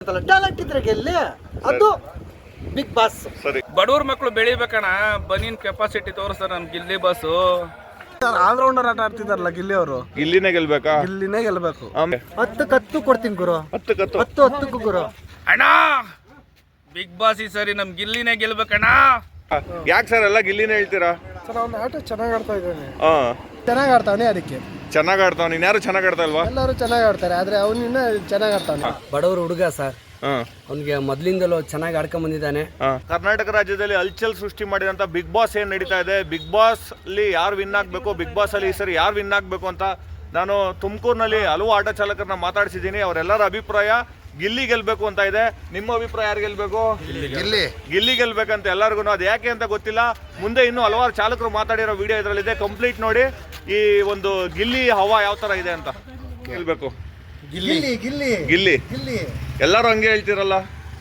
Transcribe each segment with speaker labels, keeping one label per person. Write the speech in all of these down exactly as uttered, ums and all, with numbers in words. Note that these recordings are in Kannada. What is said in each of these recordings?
Speaker 1: ಟ್ಯಾಲೆಂಟ್ ಇದ್ರೆ ಗೆಲ್ಲಿ, ಅದು ಬಿಗ್ ಬಾಸ್.
Speaker 2: ಸರಿ,
Speaker 3: ಬಡವ್ರ ಮಕ್ಕಳು ಬೆಳಿಬೇಕಣ್ಣ, ಬನ್ನಿನ ಕೆಪಾಸಿಟಿ ತೋರಿಸ್ತಾರೆ ನಮ್ ಗಿಲ್ಲಿ ಬಾಸು.
Speaker 4: ಆಲ್ರೌಂಡರ್ ಆಟ ಆಡ್ತಿದಾರಲ್ಲ ಗಿಲ್ಲಿ ಅವರು,
Speaker 2: ಗಿಲ್ಲಿನೇ ಗೆಲ್ಬೇಕಾ?
Speaker 4: ಗಿಲ್ಲಿನೇ ಗೆಲ್ಬೇಕು.
Speaker 1: ಹತ್ತು ಕತ್ತು ಕೊಡ್ತೀನಿ ಗುರು,
Speaker 2: ಹತ್ತು ಕತ್ತು
Speaker 1: ಹತ್ತು ಹತ್ತಕ್ಕೂ ಗುರು.
Speaker 3: ಅಣ್ಣ ಬಿಗ್ ಬಾಸ್ ಈ ಸರಿ ನಮ್ ಗಿಲ್ಲಿನೇ ಗೆಲ್ಬೇಕಣ್ಣ.
Speaker 2: ಯಾಕೆ ಸರ್ ಎಲ್ಲ ಗಿಲ್ಲಿನೇ ಹೇಳ್ತೀರಾ?
Speaker 4: ಸರ್ ಅವ್ನ ಆಟ ಚೆನ್ನಾಗಿ ಆಡ್ತಾ ಇದ್ದಾನೆ,
Speaker 2: ಹಾ
Speaker 4: ಚೆನ್ನಾಗಿ ಆಡ್ತಾವನೆ, ಅದಕ್ಕೆ
Speaker 2: ಚೆನ್ನಾಗ್ ಆಡ್ತಾವ. ನೀನ್ ಯಾರು ಚೆನ್ನಾಗ್ ಆಡ್ತಾ ಇಲ್ವಾ?
Speaker 4: ಎಲ್ಲರೂ ಚೆನ್ನಾಗಿ ಆಡ್ತಾರೆ, ಆದ್ರೆ ಅವನಿನ್ನ ಚೆನ್ನಾಗಿ ಆಡ್ತಾವನೆ.
Speaker 5: ಬಡವರು ಹುಡುಗ ಸರ್,
Speaker 2: ಹಾ
Speaker 5: ಅವನಿಗೆ ಮೊದ್ಲಿಂದಲೂ ಚೆನ್ನಾಗಿ ಆಡ್ಕೊಂಡ್ ಬಂದಿದ್ದಾನೆ.
Speaker 2: ಕರ್ನಾಟಕ ರಾಜ್ಯದಲ್ಲಿ ಹಲ್ಚಲ್ ಸೃಷ್ಟಿ ಮಾಡಿದಂತ ಬಿಗ್ ಬಾಸ್ ಏನ್ ನಡೀತಾ ಇದೆ, ಬಿಗ್ ಬಾಸ್ ಅಲ್ಲಿ ಯಾರು ವಿನ್ ಆಗ್ಬೇಕು, ಬಿಗ್ ಬಾಸ್ ಅಲ್ಲಿ ಈ ಸರಿ ಯಾರು ವಿನ್ ಆಗ್ಬೇಕು ಅಂತ ನಾನು ತುಮಕೂರಿನಲ್ಲಿ ಹಲವು ಆಟ ಚಾಲಕರನ್ನ ಮಾತಾಡ್ಸಿದ್ದೀನಿ. ಅವರೆಲ್ಲರ ಅಭಿಪ್ರಾಯ ಗಿಲ್ಲಿ ಗೆಲ್ಬೇಕು ಅಂತ ಇದೆ. ನಿಮ್ಮ ಅಭಿಪ್ರಾಯ ಯಾರು ಗೆಲ್ಬೇಕು? ಗಿಲ್ಲಿ ಗಿಲ್ಲಿ ಗೆಲ್ಬೇಕಂತ ಎಲ್ಲರಿಗೂ. ಅದು ಯಾಕೆ ಅಂತ ಗೊತ್ತಿಲ್ಲ. ಮುಂದೆ ಇನ್ನೂ ಹಲವಾರು ಚಾಲಕರು ಮಾತಾಡಿರೋ ವಿಡಿಯೋ ಇದರಲ್ಲಿದೆ, ಕಂಪ್ಲೀಟ್ ನೋಡಿ. ಈ ಒಂದು ಗಿಲ್ಲಿ ಹವಾ ಯಾವ ತರ ಇದೆ ಅಂತ ಗೆಲ್ಬೇಕು.
Speaker 1: ಗಿಲ್ಲಿ ಗಿಲ್ಲಿ
Speaker 2: ಗಿಲ್ಲಿ
Speaker 1: ಗಿಲ್ಲಿ
Speaker 2: ಎಲ್ಲರೂ ಹಂಗೆ ಹೇಳ್ತಿರಲ್ಲ,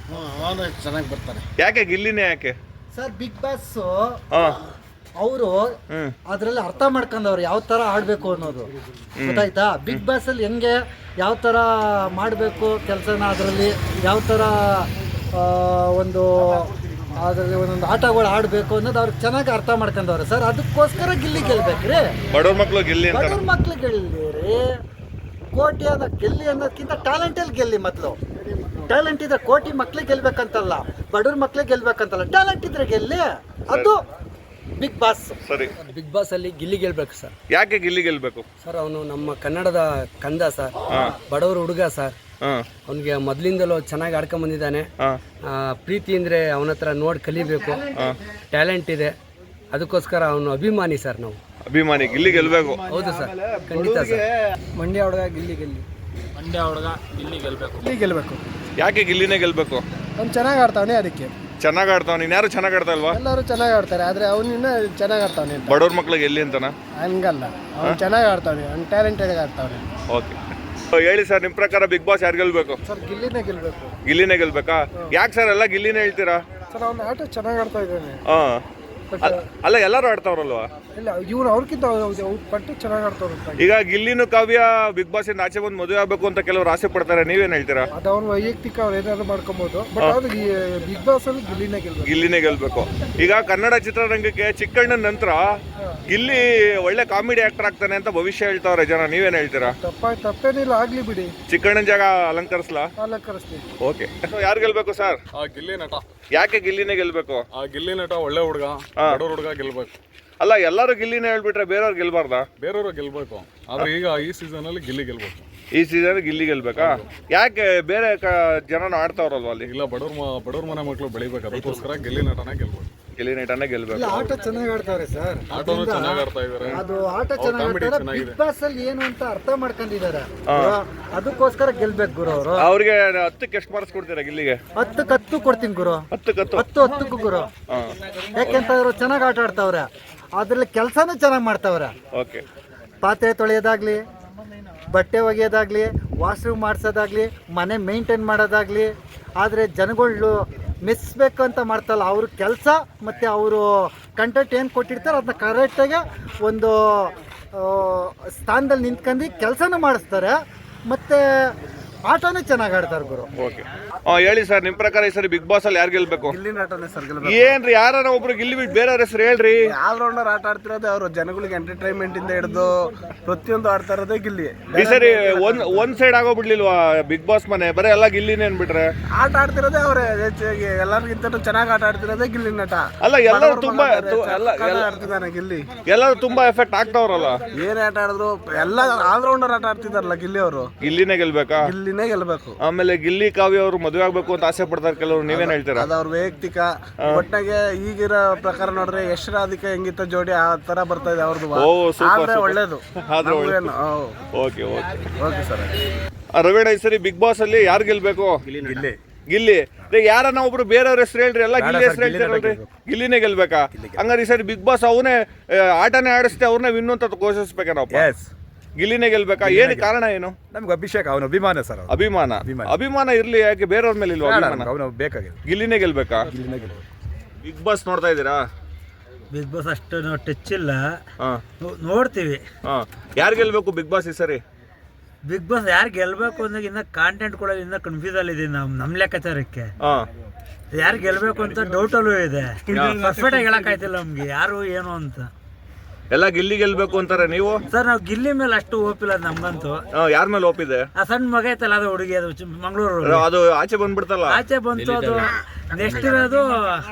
Speaker 4: ಚೆನ್ನಾಗಿ ಬರ್ತಾರೆ.
Speaker 2: ಯಾಕೆ ಗಿಲ್ಲಿನೇ ಯಾಕೆ?
Speaker 1: ಸರ್ ಬಿಗ್ ಬಾಸ್
Speaker 2: ಹಾ
Speaker 1: ಅವರು
Speaker 2: ಹ್ಮ್
Speaker 1: ಅದ್ರಲ್ಲಿ ಅರ್ಥ ಮಾಡ್ಕೊಂಡವ್ರು ಯಾವ ತರ ಆಡ್ಬೇಕು ಅನ್ನೋದು ಗೊತ್ತಾಯ್ತಾ. ಬಿಗ್ ಬಾಸ್ ಅಲ್ಲಿ ಹೆಂಗೆ ಯಾವ ತರ ಮಾಡಬೇಕು ಕೆಲಸನ, ಅದರಲ್ಲಿ ಯಾವ ತರ ಆ, ಒಂದು ಅದರಲ್ಲಿ ಒಂದೊಂದು ಆಟಗಳು ಆಡಬೇಕು ಅನ್ನೋದು ಅವ್ರಿಗೆ ಚೆನ್ನಾಗಿ ಅರ್ಥ ಮಾಡ್ಕೊಂಡವ್ರೆ ಸರ್. ಅದಕ್ಕೋಸ್ಕರ ಗಿಲ್ಲಿ ಗೆಲ್ಬೇಕ್ರಿ.
Speaker 2: ಬಡವ್ರ ಮಕ್ಳು ಗಿಲ್ಲಿ ಅಂತ.
Speaker 1: ಬಡವ್ರ ಮಕ್ಳು ಗೆಲ್ಲಿರಿ, ಕೋಟಿ ಅನ್ನೋ ಗೆಲ್ಲಿ ಅನ್ನೋದಕ್ಕಿಂತ ಟ್ಯಾಲೆಂಟಲ್ಲಿ ಗೆಲ್ಲಿ. ಮೊದಲು ಟ್ಯಾಲೆಂಟ್ ಇದ್ರೆ ಕೋಟಿ ಮಕ್ಳಿಗೆ ಗೆಲ್ಬೇಕಂತಲ್ಲ, ಬಡವ್ರ ಮಕ್ಳಿಗೆ ಗೆಲ್ಬೇಕಂತಲ್ಲ, ಟ್ಯಾಲೆಂಟ್ ಇದ್ರೆ ಗೆಲ್ಲಿ, ಅದು ಬಿಗ್ ಬಾಸ್.
Speaker 2: ಸರಿ,
Speaker 5: ಬಿಗ್ ಬಾಸ್ ಅಲ್ಲಿ ಗಿಲ್ಲಿ ಗೆಲ್ಬೇಕು ಸರ್.
Speaker 2: ಯಾಕೆ ಗಿಲ್ಲಿ ಗೆಲ್ಬೇಕು?
Speaker 5: ಸರ್ ಅವನು ನಮ್ಮ ಕನ್ನಡದ ಕಂದ ಸರ್,
Speaker 2: ಹಾ
Speaker 5: ಬಡವರು ಹುಡುಗ ಸರ್,
Speaker 2: ಹಾ
Speaker 5: ಅವನಿಗೆ ಮೊದ್ಲಿಂದಲೂ ಚೆನ್ನಾಗಿ ಆಡ್ಕೊಂಡ್ ಬಂದಿದ್ದಾನೆ.
Speaker 2: ಹಾ
Speaker 5: ಆ, ಪ್ರೀತಿ ಅಂದ್ರೆ ಅವನ ಹತ್ರ ನೋಡಿ ಕಲಿಬೇಕು, ಟ್ಯಾಲೆಂಟ್ ಇದೆ, ಅದಕ್ಕೋಸ್ಕರ ಅವನು ಅಭಿಮಾನಿ ಸರ್ ನಾವು.
Speaker 2: ಅಭಿಮಾನಿ ಗಿಲ್ಲಿ ಗೆಲ್ಬೇಕು.
Speaker 5: ಹೌದು ಸರ್, ಖಂಡಿತ ಸರ್.
Speaker 4: ಮಂಡ್ಯ ಹುಡುಗ ಗಿಲ್ಲಿ ಗೆಲ್ಲಿ,
Speaker 3: ಮಂಡ್ಯ ಹುಡುಗ ಗಿಲ್ಲಿ ಗೆಲ್ಬೇಕು.
Speaker 4: ಗಿಲ್ಲಿ ಗೆಲ್ಬೇಕು.
Speaker 2: ಯಾಕೆ ಗಿಲ್ಲಿನೇ ಗೆಲ್ಬೇಕು?
Speaker 4: ಅವ್ನು ಚೆನ್ನಾಗಿ ಆಡ್ತಾವನೆ, ಅದಕ್ಕೆ
Speaker 2: ಚೆನ್ನಾಗ್ ಆಡ್ತಾವ. ನೀನ್ ಯಾರು ಚೆನ್ನಾಗ್ ಆಡ್ತಾ ಇಲ್ವಾ?
Speaker 4: ಎಲ್ಲರೂ ಚೆನ್ನಾಗಿ ಆಡ್ತಾರೆ, ಆದ್ರೆ ಅವನಿನ್ನ ಚೆನ್ನಾಗಿ ಆಡ್ತಾವನೆ ಅಂತ.
Speaker 2: ಬಡವ್ರ ಮಕ್ಳಿಗೆ ಗೆಲ್ಲಿ ಅಂತನ?
Speaker 4: ಹಂಗಲ್ಲ, ಅವ್ನು ಚೆನ್ನಾಗಿ ಆಡ್ತಾವನೆ, ಅವ್ನು ಟ್ಯಾಲೆಂಟೆಡ್ ಆಡ್ತಾವನೆ.
Speaker 2: ಓಕೆ, ಹೇಳಿ ಸರ್, ನಿಮ್ ಪ್ರಕಾರ ಬಿಗ್ ಬಾಸ್ ಯಾರು ಗೆಲ್ಬೇಕು?
Speaker 4: ಸರ್ ಗಿಲ್ಲಿನೇ ಗೆಲ್ಬೇಕು.
Speaker 2: ಗಿಲ್ಲಿನೇ ಗೆಲ್ಬೇಕಾ? ಯಾಕೆ ಸರ್ ಎಲ್ಲ ಗಿಲ್ಲಿನೇ ಹೇಳ್ತೀರಾ?
Speaker 4: ಸರ್ ಅವ್ನ ಆಟ ಚೆನ್ನಾಗಿ ಆಡ್ತಾ ಇದ್ದಾನೆ.
Speaker 2: ಹಾ ಅಲ್ಲ, ಎಲ್ಲರೂ ಆಡ್ತಾವ್ರಲ್ವಾ?
Speaker 4: ಇಲ್ಲ, ಇವ್ನು ಅವ್ರಿಗಿಂತ ಅವ್ರು ಪಟ್ಟು ಚೆನ್ನಾಗಿ ಆಡ್ತಾವ್ರು.
Speaker 2: ಈಗ ಗಿಲ್ಲಿನೂ ಕಾವ್ಯ ಬಿಗ್ ಬಾಸ್ ಇಂದ ಆಚೆ ಬಂದು ಮದುವೆ ಆಗ್ಬೇಕು ಅಂತ ಕೆಲವರು ಆಸೆ ಪಡ್ತಾರೆ, ನೀವೇನ್ ಹೇಳ್ತೀರಾ?
Speaker 4: ಅದು ಅವ್ನ ವೈಯಕ್ತಿಕ ಅವ್ರು ಏನಾದ್ರು ಮಾಡ್ಕೊಬೋದು, ಬಟ್ ಅದು ಬಿಗ್ ಬಾಸ್ ಅಲ್ಲಿ ಗಿಲ್ಲಿನೇ ಗೆಲ್ಬೇಕು.
Speaker 2: ಗಿಲ್ಲಿನೇ ಗೆಲ್ಬೇಕು. ಈಗ ಕನ್ನಡ ಚಿತ್ರರಂಗಕ್ಕೆ ಚಿಕ್ಕಣ್ಣನ ನಂತರ ಗಿಲ್ಲಿ ಒಳ್ಳೆ ಕಾಮಿಡಿ ಆಕ್ಟರ್ ಆಗ್ತಾನೆ ಅಂತ ಭವಿಷ್ಯ ಹೇಳ್ತಾವ್ರೆ ಜನ, ನೀವೇನ್ ಹೇಳ್ತೀರಾ?
Speaker 4: ತಪ್ಪ ತಪ್ಪೇನಿಲ್ಲ, ಆಗ್ಲಿ ಬಿಡಿ,
Speaker 2: ಚಿಕ್ಕಣ್ಣನ ಜಾಗ ಅಲಂಕರಿಸ್ಲಾ?
Speaker 4: ಅಲಂಕರಿಸ್ಲಿ.
Speaker 2: ಓಕೆ, ಯಾರು ಗೆಲ್ಬೇಕು ಸರ್?
Speaker 6: ಆ ಗಿಲ್ಲಿ ನಟ,
Speaker 2: ಯಾಕೆ ಗಿಲ್ಲಿನೇ ಗೆಲ್ಬೇಕು?
Speaker 6: ಆ ಗಿಲ್ಲಿ ನಟ ಒಳ್ಳೆ ಹುಡುಗ, ಬಡವ್ರ ಹುಡುಗ ಗೆಲ್ಬೇಕು.
Speaker 2: ಅಲ್ಲ, ಎಲ್ಲರೂ ಗಿಲ್ಲಿನೇ ಹೇಳ್ಬಿಟ್ರೆ ಬೇರೆಯವ್ರು ಗೆಲ್ಬಾರ್ದಾ?
Speaker 6: ಬೇರೆಯವರು ಗೆಲ್ಬೇಕು, ಆದ್ರೆ ಈಗ ಈ ಸೀಸನ್ ಅಲ್ಲಿ ಗಿಲ್ಲಿ ಗೆಲ್ಬೇಕು.
Speaker 2: ಈ ಸೀಸನ್ ಗಿಲ್ಲಿ ಗೆಲ್ಬೇಕಾ? ಯಾಕೆ ಬೇರೆ ಜನನ ಆಡ್ತಾವ್ರಲ್ವಾ ಅಲ್ಲಿ?
Speaker 6: ಇಲ್ಲ, ಬಡವ್ರ ಮ- ಬಡವ್ರ ಮನೆ ಮಕ್ಕಳು ಬೆಳಿಬೇಕು, ಅದಕ್ಕೋಸ್ಕರ ಗಿಲ್ಲಿ ನಟನ ಗೆಲ್ಬೇಕು.
Speaker 2: ಗಿಲ್ಲಿ ನಟನೇ ಗೆಲ್ಬೇಕು.
Speaker 1: ಇಲ್ಲ, ಆಟ ಚೆನ್ನಾಗಿ ಆಡ್ತಾವ್ರೆ ಸರ್.
Speaker 6: ಆಟೋನು ಚೆನ್ನಾಗಿ ಆಡ್ತಾ ಇದಾರೆ,
Speaker 1: ಅದು ಆಟ ಚೆನ್ನಾಗಿ
Speaker 6: comedy
Speaker 1: ಆಡ್ತಾರೆ.
Speaker 6: ಚೆನ್ನಾಗಿದೆ.
Speaker 1: ಬಿಗ್ ಬಾಸ್ ಅಲ್ಲಿ ಏನು ಅಂತ ಅರ್ಥ ಮಾಡ್ಕೊಂಡಿದ್ದಾರೆ, ಅದಕ್ಕೋಸ್ಕರ ಗೆಲ್ಬೇಕು ಗುರು ಅವರು.
Speaker 2: ಅವ್ರಿಗೆ ಹತ್ತಕ್ಕೆ ಎಷ್ಟು ಮಾರ್ಕ್ಸ್ ಕೊಡ್ತೀರಾ ಗಿಲ್ಲಿಗೆ?
Speaker 1: ಹತ್ತು ಕತ್ತು ಕೊಡ್ತೀನಿ ಗುರು,
Speaker 2: ಹತ್ತು ಕತ್ತು.
Speaker 1: ಹತ್ತು ಹತ್ತಕ್ಕೂ ಗುರು.
Speaker 2: ಹಾ
Speaker 1: ಯಾಕೆಂತ ಅವರು ಚೆನ್ನಾಗಿ ಆಟ ಆಡ್ತಾವ್ರೆ, ಅದ್ರಲ್ಲಿ ಕೆಲಸನೂ ಚೆನ್ನಾಗಿ ಮಾಡ್ತಾವ್ರೆ.
Speaker 2: ಓಕೆ,
Speaker 1: ಪಾತ್ರೆ ತೊಳೆಯೋದಾಗ್ಲಿ, ಬಟ್ಟೆ ಒಗೆಯೋದಾಗ್ಲಿ, ವಾಶ್ರೂಮ್ ಮಾಡಿಸೋದಾಗ್ಲಿ, ಮನೆ ಮೇಂಟೈನ್ ಮಾಡೋದಾಗ್ಲಿ, ಆದರೆ ಜನಗಳು ಮೆಚ್ಚಬೇಕು ಅಂತ ಮಾಡ್ತಲ್ಲ, ಅವ್ರ ಕೆಲಸ ಮತ್ತು ಅವರು ಕಂಟೆಂಟ್ ಏನು ಕೊಟ್ಟಿರ್ತಾರೆ ಅದನ್ನ ಕರೆಕ್ಟಾಗಿ ಒಂದು ಸ್ಥಾನದಲ್ಲಿ ನಿಂತ್ಕೊಂಡು ಕೆಲಸನೂ ಮಾಡಿಸ್ತಾರೆ, ಮತ್ತು ಆಟನೂ ಚೆನ್ನಾಗಿ ಆಡ್ತಾರೆ ಗುರು.
Speaker 2: ಓಕೆ, ಹೇಳಿ ಸರ್, ನಿಮ್ ಪ್ರಕಾರ ಈ ಸರಿ ಬಿಗ್ ಬಾಸ್ ಅಲ್ಲಿ ಯಾರು ಗೆಲ್ಬೇಕು?
Speaker 4: ಗಿಲ್ಲಿ ನಟನೆ ಸರ್ ಗೆಲ್ಬೇಕು.
Speaker 2: ಏನ್ರಿ, ಯಾರ ಒಬ್ರು ಗಿಲ್ಲಿ ಬಿಟ್ಟು ಬೇರೆಯವ್ರ ಹೆಸರು ಹೇಳ್ರಿ.
Speaker 4: ಆಲ್ರೌಂಡರ್ ಆಟ ಆಡ್ತಿರೋದೇ ಅವರು, ಜನಗಳಿಗೆ ಎಂಟರ್ಟೈನ್ಮೆಂಟ್ ಇಂದ ಹಿಡಿದು ಪ್ರತಿಯೊಂದು ಆಡ್ತಾ ಇರೋದೇ ಗಿಲ್ಲಿ.
Speaker 2: ಈ ಸರಿ ಒಂದ್ ಒಂದ್ ಸೈಡ್ ಆಗೋಗ್ಬಿಡ್ಲಿಲ್ವಾ ಬಿಗ್ ಬಾಸ್ ಮನೆ? ಬರೀ ಎಲ್ಲ ಗಿಲ್ಲಿನೇ ಅನ್ಬಿಟ್ರೆ?
Speaker 4: ಆಟ ಆಡ್ತಿರೋದೇ ಅವರೇ ಹೆಚ್ಚಾಗಿ, ಎಲ್ಲರಿಗಿಂತ ಚೆನ್ನಾಗಿ ಆಟ ಆಡ್ತಿರೋದೇ ಗಿಲ್ಲಿ ನಟ.
Speaker 2: ಅಲ್ಲ, ಎಲ್ಲರೂ ತುಂಬಾ ತು- ಎಲ್ಲ ಎಲ್ಲ-
Speaker 4: ಆಡ್ತಿದ್ದಾನೆ ಗಿಲ್ಲಿ.
Speaker 2: ಎಲ್ಲರೂ ತುಂಬಾ ಎಫೆಕ್ಟ್ ಆಗ್ತಾವ್ರಲ್ಲ.
Speaker 4: ಏನೇ ಆಟ ಆಡಿದ್ರು ಎಲ್ಲ ಆಲ್ರೌಂಡರ್ ಆಟ ಆಡ್ತಿದಾರಲ್ಲ ಗಿಲ್ಲಿ ಅವರು,
Speaker 2: ಗಿಲ್ಲಿನೇ ಗೆಲ್ಬೇಕಾ?
Speaker 4: ಗಿಲ್ಲಿನೇ ಗೆಲ್ಬೇಕು.
Speaker 2: ಆಮೇಲೆ ಗಿಲ್ಲಿ ಕಾವ್ಯ ಅವರು ಮದುವೆ ಆಗ್ಬೇಕು ಅಂತ ಆಸೆ ಪಡ್ತಾರೆ ಕೆಲವರು, ನೀವೇನ್ ಹೇಳ್ತೀರಾ?
Speaker 4: ಅದು ಅವ್ರ ವೈಯಕ್ತಿಕ. ಒಟ್ಟಾಗೆ ಈಗಿರೋ ಪ್ರಕಾರ ನೋಡ್ರೆ ಯಶ್ರಾಧಿಕ ಹೆಂಗಿತ್ತ ಜೋಡಿ ಆ ತರ ಬರ್ತಾ ಇದೆ ಅವ್ರದ್ದು.
Speaker 2: ಓ, ಸೂಪರ್,
Speaker 4: ಆದ್ರೆ
Speaker 2: ಸೂಪರ್.
Speaker 4: ಒಳ್ಳೇದು,
Speaker 2: ಆದ್ರೆ ಒಳ್ಳೇದು.
Speaker 4: ನಮ್ಗೇನು, ಓ,
Speaker 2: okay okay
Speaker 4: okay sir.
Speaker 2: Raveena, ಈ ಸರಿ ಬಿಗ್ ಬಾಸ್ ಅಲ್ಲಿ ಯಾರು ಗೆಲ್ಬೇಕು?
Speaker 4: ಗಿಲ್ಲಿ.
Speaker 2: ಗಿಲ್ಲಿ. ಯಾರನ್ನ ಒಬ್ರು ಬೇರೆಯವ್ರ ಹೆಸರು ಹೇಳ್ರಿ, ಎಲ್ಲ ಗಿಲ್ಲಿ ಹೆಸರು ಹೇಳ್ತಾರಲ್ರಿ. ಗಿಲ್ಲಿನೇ ಗೆಲ್ಬೇಕಾ? ಹಂಗಾರೆ ಈ ಸರಿ ಬಿಗ್ ಬಾಸ್ ಅವನೇ ಆಟನೇ ಆಡಿಸ್ತೆ ಅವ್ರನ್ನೇ ವಿನ್ನು ಅಂತ ಘೋಷಿಸ್ಬೇಕೇನಪ್ಪ? ಗಿಲ್ಲಿನೇ ಗೆಲ್ಬೇಕಾ? ಏನು ಕಾರಣ ಏನು?
Speaker 7: ನಮ್ಗೆ ಅಭಿಷೇಕ್, ಅವನು ಅಭಿಮಾನ ಸರ್. ಅವ್ನು.
Speaker 2: ಅಭಿಮಾನ ಅಭಿಮಾನ ಇರ್ಲಿ, ಯಾಕೆ ಬೇರೆಯವ್ರ ಮೇಲೆ ಇಲ್ವಾ ಅಭಿಮಾನ?
Speaker 7: ಅವನು ಬೇಕಾಗಿದೆ,
Speaker 2: ಗಿಲ್ಲಿನೇ ಗೆಲ್ಬೇಕಾ? ಬಿಗ್ ಬಾಸ್ ನೋಡ್ತಾ ಇದ್ದೀರಾ?
Speaker 8: ಬಿಗ್ ಬಾಸ್ ಅಷ್ಟು ನಾವು ಟಚ್ ಇಲ್ಲ,
Speaker 2: ಹಾ
Speaker 8: ನೋಡ್ತೀವಿ.
Speaker 2: ಹಾ ಯಾರು ಗೆಲ್ಬೇಕು ಬಿಗ್ ಬಾಸ್ ಈ ಸರಿ?
Speaker 8: ಬಿಗ್ ಬಾಸ್ ಯಾರು ಗೆಲ್ಬೇಕು ಅಂದಾಗ ಇನ್ನ ಕಾಂಟೆಂಟ್ ಕೊಡೋದು ಇನ್ನ ಕನ್ಫ್ಯೂಸ್ ಅಲ್ಲಿ ಇದೆ ನಮ್ ನಮ್ ಲೆಕ್ಕಾಚಾರಕ್ಕೆ.
Speaker 2: ಹಾ
Speaker 8: ಯಾರು ಗೆಲ್ಬೇಕು ಅಂತ ಡೌಟ್ ಅಲ್ಲೂ ಇದೆ. ಪರ್ಫೆಕ್ಟ್ ಆಗಿ ಹೇಳಕ್ ಆಯ್ತಿಲ್ಲ ನಮ್ಗೆ ಯಾರು ಏನು ಅಂತ.
Speaker 2: ಎಲ್ಲ ಗಿಲ್ಲಿ ಗೆಲ್ಬೇಕು ಅಂತಾರೆ ನೀವು.
Speaker 8: ಸರ್ ನಾವು ಗಿಲ್ಲಿ ಮೇಲೆ ಅಷ್ಟು ಓಪಿಲ್ಲ ನಮ್ಗಂತೂ.
Speaker 2: ಯಾರ ಮೇಲೆ ಒಪ್ಪಿದೆ?
Speaker 8: ಆ ಸಣ್ಣ ಮಗ ಐತಲ್ಲ ಅದು ಹುಡುಗಿ, ಅದು ಚಿ- ಮಂಗಳೂರು
Speaker 2: ಅದು ಆಚೆ ಬಂದ್ಬಿಡ್ತಲ್ಲ.
Speaker 8: ಆಚೆ ಬಂತು. ಅದು ನೆಕ್ಸ್ಟ್ ಇರೋದು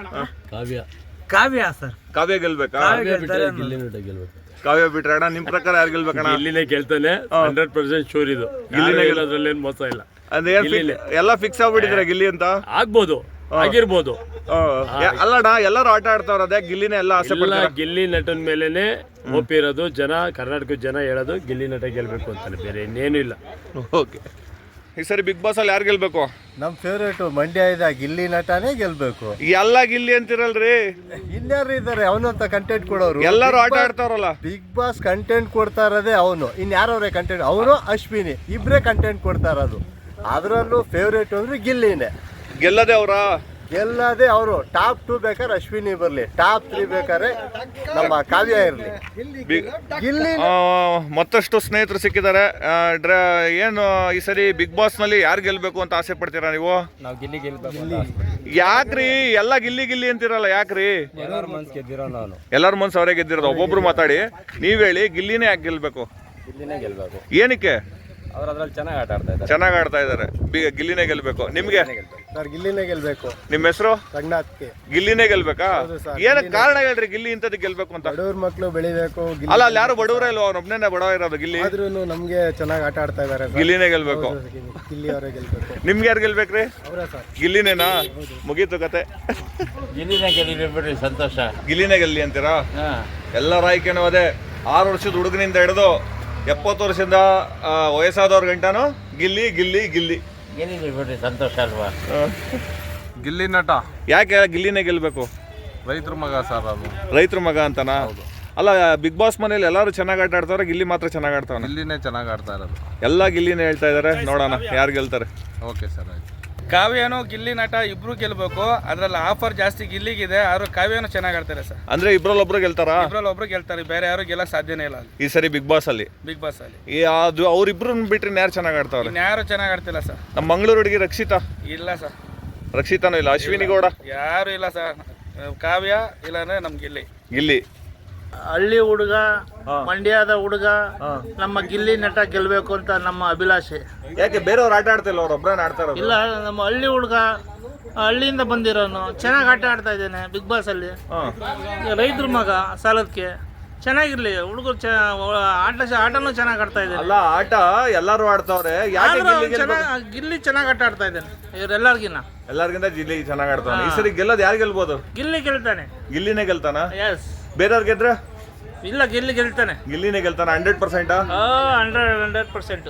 Speaker 5: ಕಾವ್ಯ
Speaker 8: ಕಾವ್ಯ ಸರ್.
Speaker 2: ಕಾವ್ಯ ಗೆಲ್ಬೇಕಾ?
Speaker 8: ಕಾವ್ಯ ಗೆಲ್ತಾರೆ ಅನ್ನೋದು.
Speaker 5: ಗೆಲ್ಬೇಕು.
Speaker 2: ಕಾವ್ಯ ಬಿಟ್ರೆ ಅಣ್ಣ ನಿಮ್ ಪ್ರಕಾರ ಯಾರು ಗೆಲ್ಬೇಕಣ್ಣ?
Speaker 9: ಇಲ್ಲಿನೇ ಗೆಲ್ತಾನೆ, ಹಂಡ್ರೆಡ್ ಪರ್ಸೆಂಟ್ ಶೋರ್ ಇದು.
Speaker 2: ಗಿಲ್ಲಿನೇ
Speaker 9: ಗೆಲ್ಲೋದ್ರಲ್ಲಿ ಏನ್ ಮೋಸ ಇಲ್ಲ.
Speaker 2: ಅಂದ್ರೆ ಏನ್ fix- ಎಲ್ಲ ಫಿಕ್ಸ್ ಆಗ್ಬಿಟ್ಟಿದ್ರೆ ಗಿಲ್ಲಿ ಅಂತ.
Speaker 9: ಆಗ್ಬೋದು, ಆಗಿರ್ಬೋದು.
Speaker 2: ಆ, ಯಾ- ಅಲ್ಲಣ್ಣ ಎಲ್ಲರೂ ಆಟ ಆಡ್ತಾವ್ರ, ಅದೇ ಗಿಲ್ಲಿನೇ ಎಲ್ಲ ಆಸೆ
Speaker 9: ಎಲ್ಲ
Speaker 2: ಪಡ್ತಾರೆ.
Speaker 9: ಗಿಲ್ಲಿ ನಟನ್ ಮೇಲೆನೆ ಒಪ್ಪಿರೋದು ಜನ, ಕರ್ನಾಟಕದ ಜನ ಹೇಳೋದು ಗಿಲ್ಲಿ ನಟ ಗೆಲ್ಬೇಕು ಅಂತಾನೆ, ಬೇರೆ ಇನ್ನೇನು ಇಲ್ಲ.
Speaker 2: ಓಕೆ, ಈ ಸರಿ ಬಿಗ್ ಬಾಸ್ ಅಲ್ಲಿ ಯಾರು ಗೆಲ್ಬೇಕು?
Speaker 10: ನಮ್ಮ ಫೇವ್ರೇಟು ಮಂಡ್ಯದ ಗಿಲ್ಲಿ ನಟನೇ ಗೆಲ್ಬೇಕು.
Speaker 2: ಎಲ್ಲ ಗಿಲ್ಲಿ ಅಂತಿರಲ್ರಿ,
Speaker 10: ಇನ್ಯಾರು ಇದ್ದಾರೆ ಅವನಂತ ಕಂಟೆಂಟ್ ಕೊಡೋರು?
Speaker 2: ಎಲ್ಲರೂ ಆಟ ಆಡ್ತಾವ್ರಲ್ಲ.
Speaker 10: ಬಿಗ್ ಬಾಸ್ ಕಂಟೆಂಟ್ ಕೊಡ್ತಾ ಇರೋದೇ ಅವನು. ಇನ್ಯಾರವ್ರೆ ಕಂಟೆಂಟ್? ಅವನು ಅಶ್ವಿನಿ ಇಬ್ಬರೇ ಕಂಟೆಂಟ್ ಕೊಡ್ತಾ ಇರೋದು. ಅದರಲ್ಲೂ ಫೇವ್ರೇಟ್ ಅಂದ್ರೆ ಗಿಲ್ಲಿನೇ.
Speaker 2: ಗೆಲ್ಲದೆ ಅವರ
Speaker 10: ಗೆಲ್ಲದೆ ಅವರು. ಟಾಪ್ ಟೂ ಬೇಕಾದ್ರೆ ಅಶ್ವಿನಿ ಬರಲಿ, ಟಾಪ್ ತ್ರೀ ಬೇಕಾದ್ರೆ ನಮ್ಮ ಕಾವ್ಯ ಇರಲಿ. ಗಿಲ್ಲಿ
Speaker 2: ಮತ್ತಷ್ಟು ಸ್ನೇಹಿತರು ಸಿಕ್ಕಿದ್ದಾರೆ. ಆ, ಡ್ರ- ಏನು ಈ ಸರಿ ಬಿಗ್ ಬಾಸ್ ನಲ್ಲಿ ಯಾರು ಗೆಲ್ಬೇಕು ಅಂತ ಆಸೆ ಪಡ್ತೀರಾ ನೀವು?
Speaker 5: ನಾವು ಗಿಲ್ಲಿ ಗೆಲ್ಬೇಕು.
Speaker 2: ಯಾಕ್ರಿ ಎಲ್ಲ ಗಿಲ್ಲಿ ಗಿಲ್ಲಿ ಅಂತಿರಲ್ಲ, ಯಾಕ್ರಿ?
Speaker 5: ಎಲ್ಲರ ಮನ್ಸ್ ಗೆದ್ದಿರೋ ನಾನು.
Speaker 2: ಎಲ್ಲರ ಮನ್ಸು ಅವರೇ ಗೆದ್ದಿರೋದು. ಒಬ್ಬೊಬ್ರು ಮಾತಾಡಿ, ನೀವ್ ಹೇಳಿ ಗಿಲ್ಲಿನೇ ಯಾಕೆ ಗೆಲ್ಬೇಕು?
Speaker 5: ಗಿಲ್ಲಿನೇ ಗೆಲ್ಬೇಕು.
Speaker 2: ಏನಕ್ಕೆ?
Speaker 5: ಅವ್ರು ಅದ್ರಲ್ಲಿ ಚೆನ್ನಾಗಿ ಆಟ ಆಡ್ತಾ ಇದ್ದಾರೆ.
Speaker 2: ಚೆನ್ನಾಗಿ ಆಡ್ತಾ ಇದಾರೆ. ಬಿ- ಗಿಲ್ಲಿನೇ ಗೆಲ್ಬೇಕು. ನಿಮ್ಗೆ
Speaker 10: ಸರ್ ಗಿಲ್ಲಿನೇ ಗೆಲ್ಬೇಕು.
Speaker 2: ನಿಮ್ಮ ಹೆಸರು?
Speaker 10: ರಂಗನಾಥ್ಗೆ.
Speaker 2: ಗಿಲ್ಲಿನೇ ಗೆಲ್ಬೇಕಾ? ಏನಕ್ಕೆ ಕಾರಣ ಹೇಳ್ರಿ ಗಿಲ್ಲಿ ಇಂಥದ್ದು ಗೆಲ್ಬೇಕು ಅಂತ?
Speaker 10: ಬಡವ್ರ ಮಕ್ಕಳು ಬೆಳಿಬೇಕು.
Speaker 2: ಅಲ್ಲ, ಅಲ್ಲಿ ಯಾರು ಬಡವರೇ ಇಲ್ವಾ? ಅವ್ನೊಬ್ನೇ ಬಡವ ಇರೋದು. ಗಿಲ್ಲಿ
Speaker 10: ಆದ್ರೂ ನಮ್ಗೆ ಚೆನ್ನಾಗಿ ಆಟ ಆಡ್ತಾ ಇದಾರೆ.
Speaker 2: ಗಿಲ್ಲಿನೇ ಗೆಲ್ಬೇಕು.
Speaker 10: ಗಿಲ್ಲಿ ಅವರೇ ಗೆಲ್ಬೇಕು.
Speaker 2: ನಿಮ್ಗೆ ಯಾರು ಗೆಲ್ಬೇಕ್ರಿ?
Speaker 10: ಅವರೇ ಸರ್.
Speaker 2: ಗಿಲ್ಲಿನೇನಾ? ಮುಗೀತು ಕತೆ.
Speaker 9: ಗಿಲ್ಲಿನೇ ಗೆಲ್ಲಿ ಸಂತೋಷ.
Speaker 2: ಗಿಲ್ಲಿನೇ ಗೆಲ್ಲಿ ಅಂತೀರಾ? ಎಲ್ಲರ ಆಯ್ಕೆನೂ ಅದೇ. ಆರು ವರ್ಷದ ಹುಡುಗನಿಂದ ಹಿಡಿದು ಎಪ್ಪತ್ತು ವರ್ಷದಿಂದ ಆ, ವಯಸ್ಸಾದವ್ರ ಗಂಟನು ಗಿಲ್ಲಿ ಗಿಲ್ಲಿ ಗಿಲ್ಲಿ.
Speaker 9: ಗೆಲ್ಲಿ ಬಿಡ್ರಿ ಸಂತೋಷ ಅಲ್ವಾ.
Speaker 6: ಗಿಲ್ಲಿ ನಟ
Speaker 2: ಯಾಕೆ ಗಿಲ್ಲಿನೇ ಗೆಲ್ಬೇಕು?
Speaker 6: ರೈತರ ಮಗ ಸರ್, ಅದು
Speaker 2: ರೈತರ ಮಗ ಅಂತನಾ? ಅಲ್ಲ, ಬಿಗ್ ಬಾಸ್ ಮನೇಲಿ ಎಲ್ಲರೂ ಚೆನ್ನಾಗಿ ಆಟ ಆಡ್ತಾವ್ರೆ, ಗಿಲ್ಲಿ ಮಾತ್ರ ಚೆನ್ನಾಗಿ ಆಡ್ತಾವನೆ.
Speaker 6: ಗಿಲ್ಲಿನೇ ಚೆನ್ನಾಗಿ ಆಡ್ತಾ ಇರೋದು.
Speaker 2: ಎಲ್ಲ ಗಿಲ್ಲಿನೇ ಹೇಳ್ತಾ ಇದಾರೆ. ನೋಡೋಣ ಯಾರು ಗೆಲ್ತಾರೆ.
Speaker 6: ಓಕೆ ಸರ್, ಆಯ್ತು.
Speaker 3: ಕಾವ್ಯನೂ ಗಿಲ್ಲಿ ನಟ ಇಬ್ರು ಗೆಲ್ಬೇಕು. ಅದ್ರಲ್ಲಿ ಆಫರ್ ಜಾಸ್ತಿ ಗಿಲ್ಲಿಗಿದೆ, ಆದ್ರೂ ಕಾವ್ಯನೂ ಚೆನ್ನಾಗಿ ಆಡ್ತಾರೆ ಸರ್.
Speaker 2: ಅಂದ್ರೆ ಇಬ್ರಲ್ಲೊಬ್ರು ಗೆಲ್ತಾರಾ?
Speaker 3: ಇಬ್ರಲ್ಲಿ ಒಬ್ರು ಗೆಲ್ತಾರೆ, ಬೇರೆ ಯಾರು ಗೆಲ್ಲಕ್ ಸಾಧ್ಯನೇ ಇಲ್ಲ ಅಲ್ಲಿ
Speaker 2: ಈ ಸರಿ ಬಿಗ್ ಬಾಸ್ ಅಲ್ಲಿ.
Speaker 3: ಬಿಗ್ ಬಾಸ್ ಅಲ್ಲಿ
Speaker 2: ಈ ಅದು ಅವ್ರಿಬ್ರು ಬಿಟ್ರೆ ಯಾರು ಚೆನ್ನಾಗಿ ಆಡ್ತಾವ್ರೆ?
Speaker 3: ಇನ್ಯಾರು ಚೆನ್ನಾಗಿ ಆಡ್ತಿಲ್ಲ ಸರ್.
Speaker 2: ನಮ್ಮ ಮಂಗಳೂರು ಹುಡುಗಿ ರಕ್ಷಿತಾ.
Speaker 3: ಇಲ್ಲ ಸರ್,
Speaker 2: ರಕ್ಷಿತಾನೂ ಇಲ್ಲ. ಅಶ್ವಿನಿ ಗೌಡ
Speaker 3: ಯಾರು ಇಲ್ಲ ಸರ್. ಕಾವ್ಯ ಇಲ್ಲಾಂದ್ರೆ ನಮ್ ಗಿಲ್ಲಿ.
Speaker 2: ಗಿಲ್ಲಿ.
Speaker 8: ಹಳ್ಳಿ ಹುಡುಗ, ಮಂಡ್ಯದ ಹುಡುಗ, ನಮ್ಮ ಗಿಲ್ಲಿ ನಟ ಗೆಲ್ಬೇಕು ಅಂತ ನಮ್ಮ ಅಭಿಲಾಷೆ.
Speaker 2: ಯಾಕೆ ಬೇರೆಯವ್ರು ಆಟ ಆಡ್ತಿಲ್ಲ, ಅವ್ರು ಒಬ್ಬರನ್ನ ಆಡ್ತಾ ಇರೋದು?
Speaker 8: ಇಲ್ಲ, ನಮ್ಮ ಹಳ್ಳಿ ಹುಡುಗ, ಹಳ್ಳಿಯಿಂದ ಬಂದಿರೋನು, ಚೆನ್ನಾಗಿ ಆಟ ಆಡ್ತಾ ಇದ್ದೇನೆ ಬಿಗ್ ಬಾಸ್ ಅಲ್ಲಿ. ರೈತರ ಮಗ ಸಾಲದಕ್ಕೆ ಚೆನ್ನಾಗಿರ್ಲಿ ಹುಡುಗರು. ಚ ಆಟ ಆಟನೂ ಚೆನ್ನಾಗಿ ಆಡ್ತಾ ಇದ್ದೇನೆ.
Speaker 2: ಅಲ್ಲ, ಆಟ ಎಲ್ಲಾರು ಆಡ್ತಾವ್ರೆ, ಯಾಕೆ ಗಿಲ್ಲಿ ಗೆಲ್ಬೇಕು?
Speaker 8: ಗಿಲ್ಲಿ ಚೆನ್ನಾಗಿ ಆಟ ಆಡ್ತಾ ಇದ್ದೇನೆ ಇವರೆಲ್ಲರಿಗಿನ್ನ.
Speaker 2: ಎಲ್ಲರಿಗಿಂತ ಗಿಲ್ಲಿ ಚೆನ್ನಾಗಿ ಆಡ್ತಾನೆ. ಈ ಸರಿ ಗೆಲ್ಲೋದು ಯಾರು ಗೆಲ್ಬೋದು?
Speaker 8: ಗಿಲ್ಲಿ ಗೆಲ್ತಾನೆ.
Speaker 2: ಗಿಲ್ಲಿನೇ ಗೆಲ್ತಾನ?
Speaker 8: ಎಸ್.
Speaker 2: ಬೇರೆಯವ್ರು ಗೆದ್ರೆ?
Speaker 8: ಇಲ್ಲ, ಗಿಲ್ಲಿ ಗೆಲ್ತಾನೆ.
Speaker 2: ಗಿಲ್ಲಿನೇ ಗೆಲ್ತಾನ hundred percent.
Speaker 8: Hundred hundred percent.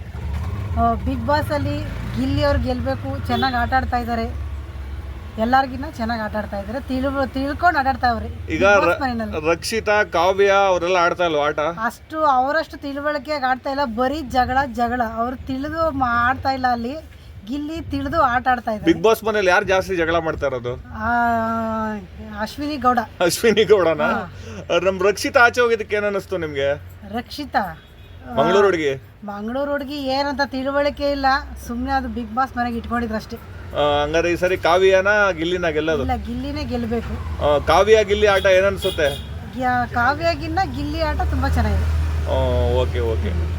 Speaker 11: Bigg Boss ಅಲ್ಲಿ ಗಿಲ್ಲಿ ಅವ್ರು ಗೆಲ್ಲಬೇಕು. ಚೆನ್ನಾಗಿ ಆಟ ಆಡ್ತಾ ಇದ್ದಾರೆ, ಎಲ್ಲರಿಗಿನ್ನ ಚೆನ್ನಾಗಿ ಆಟ ಆಡ್ತಾ ಇದ್ದಾರೆ. ತಿಳ್ ತಿಳ್ಕೊಂಡು ಆಟ ಆಡ್ತಾವ್ರಿ.
Speaker 2: ಈಗ ರಕ್ಷಿತಾ, ಕಾವ್ಯ ಅವರೆಲ್ಲ ಆಡ್ತಾ ಇಲ್ವಾ ಆಟ?
Speaker 11: ಅಷ್ಟು ಅವರಷ್ಟು ತಿಳುವಳಿಕೆಯಾಗಿ ಆಡ್ತಾ ಇಲ್ಲ, ಬರೀ ಜಗಳ ಜಗಳ. ಅವ್ರು ತಿಳಿದು ಆಡ್ತಾ ಇಲ್ಲ. ಅಲ್ಲಿ ಗಿಲ್ಲಿ ತಿಳಿದು ಆಟ ಆಡ್ತಾ ಇದ್ದಾರೆ.
Speaker 2: ಬಿಗ್ ಬಾಸ್ ಮನೇಲಿ ಯಾರು ಜಾಸ್ತಿ ಜಗಳ ಮಾಡ್ತಾ ಇರೋದು?
Speaker 11: ಅಶ್ವಿನಿ ಗೌಡ.
Speaker 2: ಅಶ್ವಿನಿ ಗೌಡನ? ನಮ್ ರಕ್ಷಿತಾ ಆಚೆ ಹೋಗಿದ್ದಕ್ಕೆ ಏನ್ ಅನಿಸ್ತು ನಿಮ್ಗೆ?
Speaker 11: ರಕ್ಷಿತಾ
Speaker 2: ಮಂಗಳೂರು ಹುಡುಗಿ.
Speaker 11: ಮಂಗಳೂರು ಹುಡುಗಿ ಏನಂತ ತಿಳುವಳಿಕೆ ಇಲ್ಲ, ಸುಮ್ಮನೆ ಅದು ಬಿಗ್ ಬಾಸ್ ಮನೆಗೆ ಇಟ್ಕೊಂಡಿದ್ರು ಅಷ್ಟೇ.
Speaker 2: ಹಂಗಾರೆ ಈ ಸರಿ ಕಾವ್ಯನ ಗಿಲ್ಲಿನ ಗೆಲ್ಲೋದು?
Speaker 11: ಇಲ್ಲ, ಗಿಲ್ಲಿನೇ ಗೆಲ್ಲಬೇಕು.
Speaker 2: ಕಾವ್ಯ ಗಿಲ್ಲಿ ಆಟ ಏನನ್ಸುತ್ತೆ?
Speaker 11: ಕಾವ್ಯಾಗಿನ್ನ ಗಿಲ್ಲಿ ಆಟ ತುಂಬಾ ಚೆನ್ನಾಗಿದೆ.
Speaker 2: Okay okay